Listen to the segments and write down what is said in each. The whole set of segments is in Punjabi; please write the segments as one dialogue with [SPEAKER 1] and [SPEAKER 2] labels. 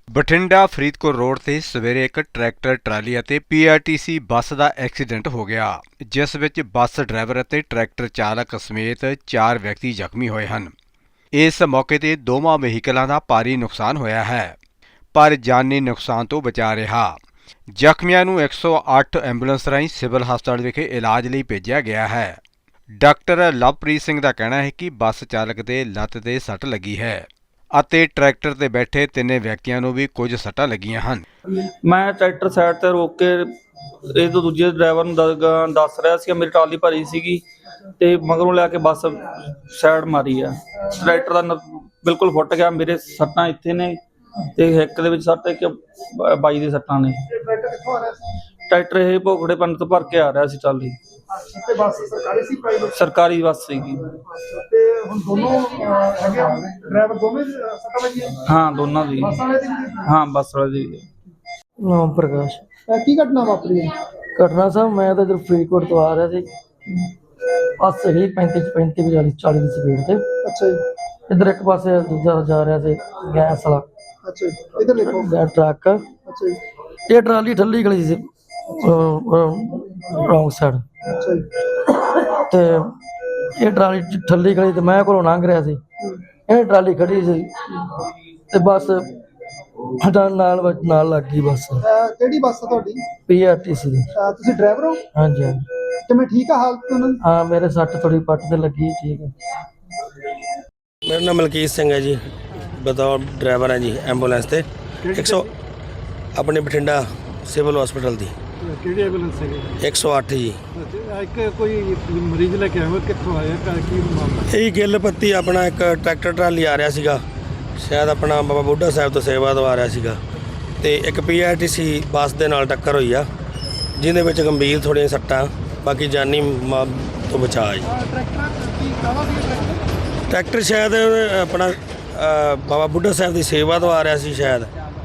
[SPEAKER 1] ਬਠਿੰਡਾ ਫਰੀਦਕੋਟ ਰੋਡ ਤੇ ਸਵੇਰੇ ਇੱਕ ਟਰੈਕਟਰ ਟਰਾਲੀ ਅਤੇ ਪੀਆਰਟੀਸੀ ਬੱਸ ਦਾ ਐਕਸੀਡੈਂਟ ਹੋ ਗਿਆ, ਜਿਸ ਵਿੱਚ ਬੱਸ ਡਰਾਈਵਰ ਅਤੇ ਟਰੈਕਟਰ ਚਾਲਕ ਸਮੇਤ 4 ਵਿਅਕਤੀ ਜ਼ਖਮੀ ਹੋਏ ਹਨ। ਇਸ ਮੌਕੇ ਤੇ ਦੋਵਾਂ ਵਹੀਕਲਾਂ ਦਾ ਭਾਰੀ ਨੁਕਸਾਨ ਹੋਇਆ ਹੈ, ਪਰ ਜਾਨੀ ਨੁਕਸਾਨ ਤੋਂ ਬਚਾ ਰਿਹਾ। ਜ਼ਖਮੀਆਂ ਨੂੰ 108 ਐਂਬੂਲੈਂਸ ਰਾਹੀਂ ਸਿਵਲ ਹਸਪਤਾਲ ਵਿਖੇ ਇਲਾਜ ਲਈ ਭੇਜਿਆ ਗਿਆ ਹੈ। ਡਾਕਟਰ ਲਵਪ੍ਰੀਤ ਸਿੰਘ ਦਾ ਕਹਿਣਾ ਹੈ ਕਿ ਬੱਸ ਚਾਲਕ ਦੇ ਲੱਤ ਤੇ ਸੱਟ ਲੱਗੀ ਹੈ ਅਤੇ ਟਰੈਕਟਰ ਤੇ ਬੈਠੇ ਤਿੰਨੇ ਵਿਅਕਤੀਆਂ ਨੂੰ ਵੀ ਕੁਝ ਸੱਟਾਂ ਲੱਗੀਆਂ ਹਨ।
[SPEAKER 2] ਮੈਂ ਟਰੈਕਟਰ ਸਾਈਡ ਤੇ ਰੋਕ ਕੇ ਇਹ ਤੋਂ ਦੂਜੇ ਡਰਾਈਵਰ ਨੂੰ ਦੱਸ ਰਿਹਾ ਸੀ ਮੇਰੀ ਟਰਾਲੀ ਭਰੀ ਸੀਗੀ ਤੇ ਮਗਰੋਂ ਲੈ ਕੇ ਬੱਸ ਸਾਈਡ ਮਾਰੀ ਆ। ਟਰੈਕਟਰ ਦਾ ਬਿਲਕੁਲ ਫੁੱਟ ਗਿਆ। ਮੇਰੇ ਸੱਟਾਂ ਇੱਥੇ ਨੇ ਤੇ ਹਿੱਕ ਦੇ ਵਿੱਚ ਸੱਟ ਇੱਕ ਬਾਈ ਦੇ ਸੱਟਾਂ ਨੇ। ਟਰੈਕਟਰ ਇਹ ਭੋਗੜੇ ਪਿੰਡ ਤੋਂ ਭਰ ਕੇ ਆ ਰਿਹਾ ਸੀ ਟਰਾਲੀ।
[SPEAKER 3] ਤੇ ਬੱਸ ਸਰਕਾਰੀ ਸੀ ਪ੍ਰਾਈਵੇਟ?
[SPEAKER 2] ਸਰਕਾਰੀ ਬੱਸ ਸੀਗੀ।
[SPEAKER 3] ਤੇ ਹੁਣ ਦੋਨੋਂ ਹੈਗੇ ਡਰਾਈਵਰ ਦੋਵੇਂ ਸੱਟਾਂ ਵੱਜੀਆਂ?
[SPEAKER 2] ਹਾਂ, ਦੋਨਾਂ ਦੀ।
[SPEAKER 3] ਬੱਸ ਵਾਲੇ ਦੀ ਵੀ?
[SPEAKER 2] ਹਾਂ, ਬੱਸ ਵਾਲੇ ਦੀ।
[SPEAKER 4] ਨਾਮ ਪ੍ਰਕਾਸ਼।
[SPEAKER 3] ਕੀ ਘਟਨਾ ਵਾਪਰੀ ਹੈ?
[SPEAKER 4] ਘਟਨਾ ਸਾਹਿਬ ਮੈਂ ਤਾਂ ਇਧਰ ਫਰੀਦਕੋਟ ਤੋਂ ਆ ਰਿਹਾ ਸੀ, ਬੱਸ ਹੀ 35 40 ਦੀ ਸਪੀਡ ਤੇ।
[SPEAKER 3] ਅੱਛਾ ਜੀ।
[SPEAKER 4] ਇਧਰ ਇੱਕ ਪਾਸੇ ਦੂਜਾ ਜਾ ਰਿਹਾ ਸੀ ਗੈਸ ਵਾਲਾ।
[SPEAKER 3] ਅੱਛਾ ਜੀ, ਇਧਰ ਦੇਖੋ।
[SPEAKER 4] ਟਰੱਕ।
[SPEAKER 3] ਅੱਛਾ ਜੀ।
[SPEAKER 4] ਇਹ ਟਰਾਲੀ ਠੱਲੀ ਗਲੀ ਸੀ ਰੌਂਗ ਸਾਈਡ
[SPEAKER 3] ਅੱਛਾ ਜੀ।
[SPEAKER 4] ਤੇ ਇਹ ਟਰਾਲੀ ਠੱਲੀ ਗਲੀ ਤੇ ਮੈਂ ਕੋਲੋਂ ਲੰਘ ਰਿਹਾ ਸੀ, ਇਹ ਟਰਾਲੀ ਖੜੀ ਸੀ ਤੇ ਬੱਸ ਨਾਲ ਲੱਗ ਗਈ। ਬੱਸ
[SPEAKER 3] ਕਿਹੜੀ ਬੱਸ ਆ ਤੁਹਾਡੀ?
[SPEAKER 4] ਪੀਆਰਟੀਸੀ ਦੀ।
[SPEAKER 3] ਤੁਸੀਂ ਡਰਾਈਵਰ ਹੋ?
[SPEAKER 4] ਹਾਂਜੀ ਹਾਂਜੀ।
[SPEAKER 3] ਤੇ ਮੈਂ ਠੀਕ ਆ ਹਾਲਤ ਉਹਨਾਂ ਦੀ?
[SPEAKER 4] ਹਾਂ, ਮੇਰੇ ਸੱਟ ਥੋੜੀ ਪੱਟ ਤੇ ਲੱਗੀ, ਠੀਕ ਹੈ।
[SPEAKER 5] मेरा नाम मलकीत सिंह है जी, बतौर ड्राइवर है जी एंबूलेंस ਤੇ 100 ਆਪਣੇ ਬਠਿੰਡਾ ਸਿਵਲ ਹਸਪੀਟਲ ਦੀ।
[SPEAKER 3] ਕਿਹੜੀ ਐਂਬੂਲੈਂਸ ਹੈਗੀ?
[SPEAKER 5] 108 ਜੀ।
[SPEAKER 3] ਇੱਕ ਕੋਈ ਮਰੀਜ਼ ਲੈ ਕੇ ਆਇਆ, ਕਿੱਥੋਂ ਆਇਆ, ਕੀ ਮਾਮਲਾ?
[SPEAKER 5] ਇਹ ਗਿੱਲ ਪੱਤੀ ਆਪਣਾ ਇੱਕ ਟਰੈਕਟਰ ਟਰਾਲੀ ਆ ਰਿਹਾ ਸੀਗਾ, ਸ਼ਾਇਦ ਆਪਣਾ ਬਾਬਾ ਬੁੱਢਾ ਸਾਹਿਬ ਤੋਂ ਸੇਵਾ ਤੋਂ ਆ ਰਿਹਾ ਸੀਗਾ ਤੇ ਇੱਕ ਪੀਆਰਟੀਸੀ ਬੱਸ ਦੇ ਨਾਲ ਟੱਕਰ ਹੋਈ ਆ, ਜਿਹਦੇ ਵਿੱਚ ਗੰਭੀਰ ਥੋੜ੍ਹੀਆਂ ਸੱਟਾਂ, ਬਾਕੀ ਜਾਨੀ ਤੋਂ ਬਚਾਅ ਜੀ। ਟਰੈਕਟਰ ਸ਼ਾਇਦ ਆਪਣਾ ਬਾਬਾ ਬੁੱਢਾ ਸਾਹਿਬ ਦੀ ਸੇਵਾ ਤੋਂ ਆ ਰਿਹਾ ਸੀ ਸ਼ਾਇਦ।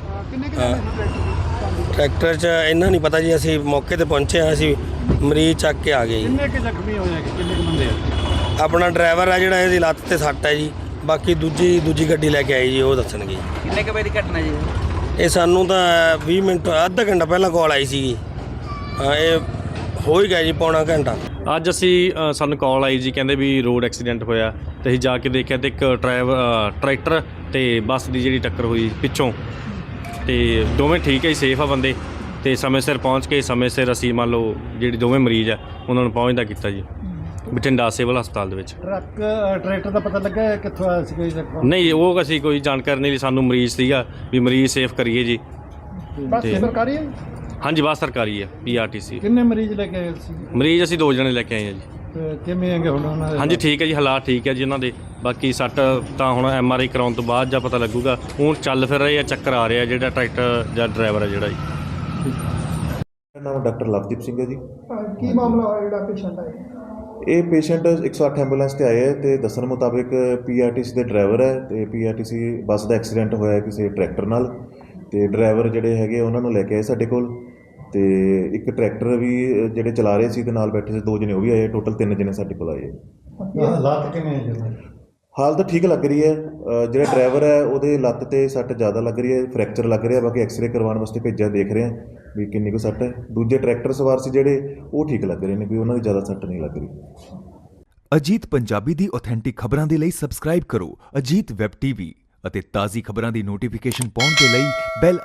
[SPEAKER 5] ਟਰੈਕਟਰ 'ਚ ਇੰਨਾ ਨਹੀਂ ਪਤਾ ਜੀ, ਅਸੀਂ ਮੌਕੇ 'ਤੇ ਪਹੁੰਚੇ ਹਾਂ, ਅਸੀਂ ਮਰੀਜ਼ ਚੱਕ ਕੇ ਆ ਗਏ ਜੀ।
[SPEAKER 3] ਕਿੰਨੇ ਕੁ ਜ਼ਖਮੀ ਹੋਏ ਹੈਗੇ? ਕਿੰਨੇ ਕੁ ਬੰਦੇ ਆ?
[SPEAKER 5] ਆਪਣਾ ਡਰਾਈਵਰ ਆ ਜਿਹੜਾ, ਇਹਦੀ ਲੱਤ ਤੇ ਸੱਟ ਹੈ ਜੀ, ਬਾਕੀ ਦੂਜੀ ਗੱਡੀ ਲੈ ਕੇ ਆਈ ਜੀ, ਉਹ ਦੱਸਣਗੇ।
[SPEAKER 2] ਕਿੰਨੇ ਕੁ ਵਜੇ ਦੀ ਘਟਨਾ ਜੀ?
[SPEAKER 5] ਇਹ ਸਾਨੂੰ ਤਾਂ 20 ਮਿੰਟ ਅੱਧਾ ਘੰਟਾ ਪਹਿਲਾਂ ਕਾਲ ਆਈ ਸੀਗੀ। ਇਹ ਹੋ ਹੀ ਗਿਆ ਜੀ ਪੌਣਾ ਘੰਟਾ।
[SPEAKER 6] ਅੱਜ ਅਸੀਂ ਸਾਨੂੰ ਕਾਲ ਆਈ ਜੀ, ਕਹਿੰਦੇ ਵੀ ਰੋਡ ਐਕਸੀਡੈਂਟ ਹੋਇਆ ਤੇ ਅਸੀਂ ਜਾ ਕੇ ਦੇਖਿਆ ਤੇ ਇੱਕ ਟਰੈਕਟਰ ਤੇ ਬੱਸ ਦੀ ਜਿਹੜੀ ਟੱਕਰ ਹੋਈ ਪਿੱਛੋਂ, ਤੇ ਦੋਵੇਂ ਠੀਕ ਹੈ ਜੀ, ਸੇਫ ਆ ਬੰਦੇ, ਤੇ ਸਮੇਂ ਸਿਰ ਪਹੁੰਚ ਕੇ ਸਮੇਂ ਸਿਰ ਅਸੀਂ ਮੰਨ ਲਓ ਜਿਹੜੇ ਦੋਵੇਂ ਮਰੀਜ਼ ਆ ਉਹਨਾਂ ਨੂੰ ਪਹੁੰਚਦਾ ਕੀਤਾ ਜੀ ਬਠਿੰਡਾ ਸਿਵਲ ਹਸਪਤਾਲ ਦੇ ਵਿੱਚ।
[SPEAKER 3] ਟਰੈਕਟਰ ਦਾ ਪਤਾ ਲੱਗਾ ਕਿੱਥੋਂ ਆਇਆ ਸੀ?
[SPEAKER 6] ਨਹੀਂ, ਉਹ ਅਸੀਂ ਕੋਈ ਜਾਣਕਾਰੀ ਨਹੀਂ ਲਈ, ਸਾਨੂੰ ਮਰੀਜ਼ ਸੀਗਾ ਵੀ ਮਰੀਜ਼ ਸੇਫ ਕਰੀਏ ਜੀ।
[SPEAKER 3] ਬੱਸ ਸਰਕਾਰੀ ਹੈ?
[SPEAKER 6] ਹਾਂਜੀ, ਬੱਸ ਸਰਕਾਰੀ ਹੈ ਪੀਆਰਟੀਸੀ।
[SPEAKER 3] ਕਿੰਨੇ ਮਰੀਜ਼ ਲੈ ਕੇ ਆਏ ਸੀ?
[SPEAKER 6] ਮਰੀਜ਼ ਅਸੀਂ 2 ਜਣੇ ਲੈ ਕੇ ਆਏ ਹਾਂ ਜੀ।
[SPEAKER 3] ਕਿਵੇਂ ਹੈਗੇ ਹੁਣ ਉਹਨਾਂ ਦੇ?
[SPEAKER 6] ਹਾਂਜੀ, ਠੀਕ ਹੈ ਜੀ, ਹਾਲਾਤ ਠੀਕ ਹੈ ਜੀ ਉਹਨਾਂ ਦੇ। ਬਾਕੀ ਸੱਟ ਤਾਂ ਹੁਣ MRI ਕਰਾਉਣ ਤੋਂ ਬਾਅਦ ਜਾਂ ਪਤਾ ਲੱਗੂਗਾ। ਹੁਣ ਚੱਲ ਫਿਰ ਰਹੇ ਆ, ਚੱਕਰ ਆ ਰਿਹਾ ਜਿਹੜਾ ਟਰੈਕਟਰ ਜਾਂ ਡਰਾਈਵਰ ਹੈ ਜਿਹੜਾ ਜੀ।
[SPEAKER 7] ਮੇਰਾ ਨਾਮ ਡਾਕਟਰ ਲਵਦੀਪ ਸਿੰਘ ਹੈ ਜੀ।
[SPEAKER 3] ਕੀ ਮਾਮਲਾ ਹੋਇਆ ਜਿਹੜਾ ਪੇਸ਼ੈਂਟ ਆਇਆ?
[SPEAKER 7] ਇਹ ਪੇਸ਼ੈਂਟ 108 ਐਂਬੂਲੈਂਸ ਤੇ ਆਏ ਹੈ ਤੇ ਦੱਸਣ ਮੁਤਾਬਿਕ ਪੀਆਰਟੀਸੀ ਦੇ ਡਰਾਈਵਰ ਹੈ ਤੇ ਪੀਆਰਟੀਸੀ ਬੱਸ ਦਾ ਐਕਸੀਡੈਂਟ ਹੋਇਆ ਕਿਸੇ ਟਰੈਕਟਰ ਨਾਲ, ਤੇ ਡਰਾਈਵਰ ਜਿਹੜੇ ਹੈਗੇ ਉਹਨਾਂ ਨੂੰ ਲੈ ਕੇ ਆਏ ਸਾਡੇ ਕੋਲ, ਤੇ ਇੱਕ ਟਰੈਕਟਰ ਵੀ ਜਿਹੜੇ ਚਲਾ ਰਹੇ ਸੀ ਤੇ ਨਾਲ ਬੈਠੇ ਸੀ 2 ਜਣੇ ਉਹ ਵੀ ਆਏ, ਟੋਟਲ 3 ਜਣੇ ਸਾਡੇ ਕੋਲ ਆਏ।
[SPEAKER 3] ਹਾਲਾਤ ਕਿਵੇਂ ਹੈ?
[SPEAKER 7] ਹਾਲਤ ਠੀਕ ਲੱਗ ਰਹੀ ਹੈ। ਜਿਹੜਾ ਡਰਾਈਵਰ ਹੈ ਉਹਦੇ ਲੱਤ ਤੇ ਸੱਟ ਜ਼ਿਆਦਾ ਲੱਗ ਰਹੀ ਹੈ, ਫ੍ਰੈਕਚਰ ਲੱਗ ਰਿਹਾ, ਬਾਕੀ ਐਕਸਰੇ ਕਰਵਾਉਣ ਵਾਸਤੇ ਭੇਜਿਆ, ਦੇਖ ਰਹੇ ਹਾਂ ਵੀ ਕਿੰਨੀ ਕੁ ਸੱਟ ਹੈ। ਦੂਜੇ ਟਰੈਕਟਰ ਸਵਾਰ ਸੀ ਜਿਹੜੇ, ਉਹ ਠੀਕ ਲੱਗ ਰਹੇ ਨੇ, ਵੀ ਉਹਨਾਂ ਦੀ ਜ਼ਿਆਦਾ ਸੱਟ ਨਹੀਂ ਲੱਗ ਰਹੀ।
[SPEAKER 8] ਅਜੀਤ ਪੰਜਾਬੀ ਦੀ ਆਥੈਂਟਿਕ ਖਬਰਾਂ ਦੇ ਲਈ ਸਬਸਕ੍ਰਾਈਬ ਕਰੋ ਅਜੀਤ ਵੈਬ ਟੀਵੀ ਅਤੇ ਤਾਜ਼ੀ ਖਬਰਾਂ ਦੀ ਨੋਟੀਫਿਕੇਸ਼ਨ ਪਾਉਣ ਦੇ ਲਈ ਬੈਲ